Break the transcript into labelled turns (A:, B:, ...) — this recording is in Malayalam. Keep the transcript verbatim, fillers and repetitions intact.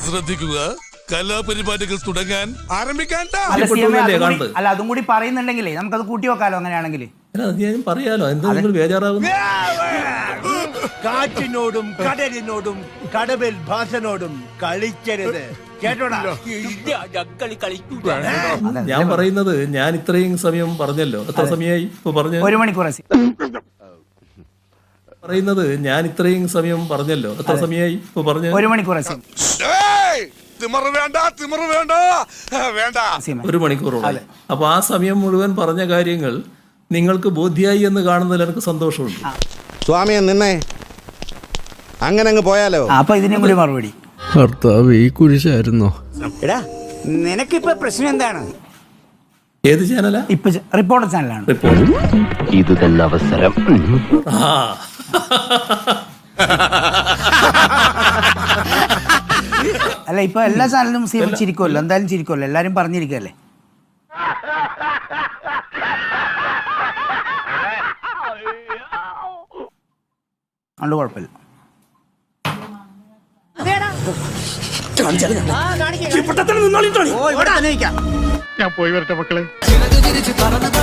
A: ശ്രദ്ധിക്കുക, കലാപരിപാടികൾ തുടങ്ങാൻ ആരംഭിക്കാൻ.
B: അല്ല അതും കൂടി പറയുന്നുണ്ടെങ്കിലേ നമുക്കത് കൂട്ടി വെക്കാലോ അങ്ങനെയാണെങ്കിൽ.
C: പറയാലോ എന്താ നിങ്ങൾ ബേജാറാകുന്നു?
D: കാറ്റിനോടും കടലിനോടും കടവിൽ ഭാസനോടും കളിക്കരുത് കേട്ടോടാ.
C: ഞാൻ പറയുന്നത് ഞാൻ ഇത്രയും സമയം പറഞ്ഞല്ലോ. എത്ര സമയമായി ഇപ്പൊ പറഞ്ഞു?
B: ഒരു മണിക്കൂർ
C: പറയുന്നത് ഞാൻ ഇത്രയും സമയം പറഞ്ഞല്ലോ. എത്ര സമയമായി ഇപ്പൊ പറഞ്ഞു?
B: ഒരു മണിക്കൂർ
C: ഒരു മണിക്കൂറോളം. അപ്പൊ ആ സമയം മുഴുവൻ പറഞ്ഞ കാര്യങ്ങൾ നിങ്ങൾക്ക് ബോധ്യായി എന്ന് കാണുന്നതിൽ എനിക്ക് സന്തോഷമുണ്ട്.
E: സ്വാമിയെ നിന്നെ അങ്ങനെ അങ്ങ് പോയാലോ?
B: അപ്പൊ ഇതിനും കൂടി മറുപടി.
F: ഭർത്താവ് ഈ കുരിശായിരുന്നോ?
D: എടാ നിനക്കിപ്പോ പ്രശ്നം എന്താണ്?
C: ഏത് ചാനലാ?
B: ഇപ്പൊ റിപ്പോർട്ടർ ചാനലാണ്.
C: റിപ്പോർട്ട്.
G: ഇത് തന്നെ അവസരം.
C: ആ
B: അല്ല ഇപ്പൊ എല്ലാ ചാനലും സീമ ചിരിക്കുമല്ലോ, എന്തായാലും ചിരിക്കുമല്ലോ, എല്ലാരും പറഞ്ഞിരിക്കല്ലേ. അതുകൊണ്ട് കുഴപ്പമില്ല.
D: ഞാൻ പോയി വരട്ടെ മക്കളെ.